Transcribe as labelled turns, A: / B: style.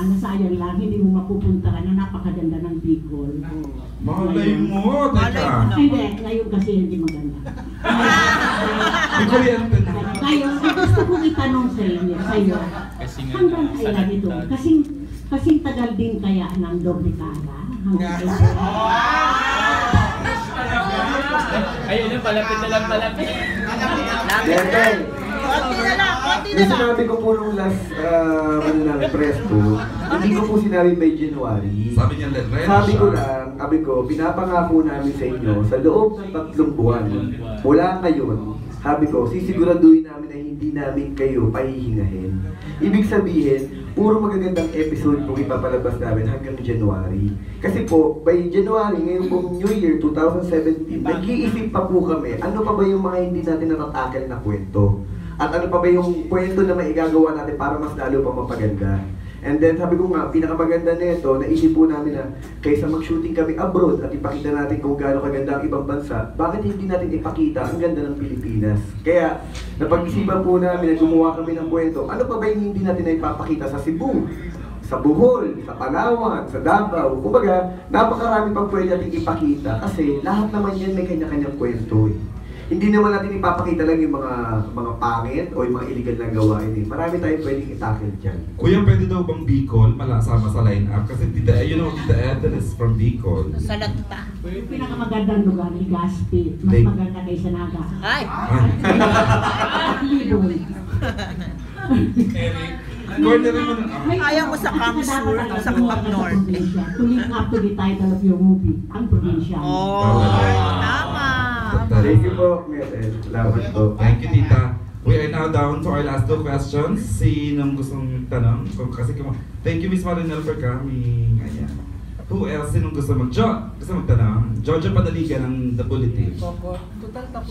A: nasayang lang, hindi mo mapupuntahan na napakaganda ng Bicol.
B: Malay mo, teka.
A: Hindi, ngayon kasi hindi maganda.
B: Bicoliente na.
A: Ngayon, gusto kong itanong sa inyo, hanggang kailan ito? Kasing tagal din kaya ng doble cara? Hanggang kailan?
C: Ayun na, palapit na lang, palapit.
D: Konti na lang, konti na lang.
E: Sinabi ko po nung last press po, hindi ko po sinabi by January.
B: Sabi niya,
E: sabi ko, pinapangako namin sa inyo sa loob ng 3 buwan. Mula ngayon, sabi ko, sisiguraduhin namin na hindi namin kayo pahihingahin. Ibig sabihin, puro magagandang episode po ipapalabas namin hanggang January. Kasi po, by January, ngayon pong New Year 2017, nag-iisip pa po kami, ano pa ba yung mga hindi natin natatakil na kwento? At ano pa ba yung kwento na maigagawa natin para mas lalo pa mapaganda? And then sabi ko nga, pinakamaganda nito, naisip po namin na kaysa mag-shooting kami abroad at ipakita natin kung gaano kaganda ang ibang bansa, bakit hindi natin ipakita ang ganda ng Pilipinas? Kaya napag-isipan po namin na gumawa kami ng kwento, ano pa ba yung hindi natin na ipapakita sa Cebu, sa Bohol, sa Palawan, sa Davao? Kumbaga, napakarami pang pwede natin ipakita kasi lahat naman yan may kanya-kanyang kwento eh. Hindi naman natin ipapakita lang yung mga pangit o yung mga illegal na gawain eh. Marami tayong pwedeng itakil dyan.
B: Kuya, pwede daw bang Bicol malasama sa line-up? Kasi Tita Ethel is from Bicol.
D: Sa Lagta.
A: Yung pinakamagandang lugar, Legazpi. Mas maganda kaysa Naga.
D: Ay!
A: Libon.
B: Corner mo na.
D: Ayaw mo sa Kamsur, sa Camp Norte.
A: To link up to the title of your movie, ang probinsya.
D: Oh, tama.
E: Thank you po, Meten. Salamat po.
B: Thank you, Tita. We are now down to our last 2 questions. Sinong gustong tanong? Thank you, Miss Marinel, for coming. Ayan. Who else? Sinong gusto magtanong? Jojo Padaligan ng The Bulletin.
D: Total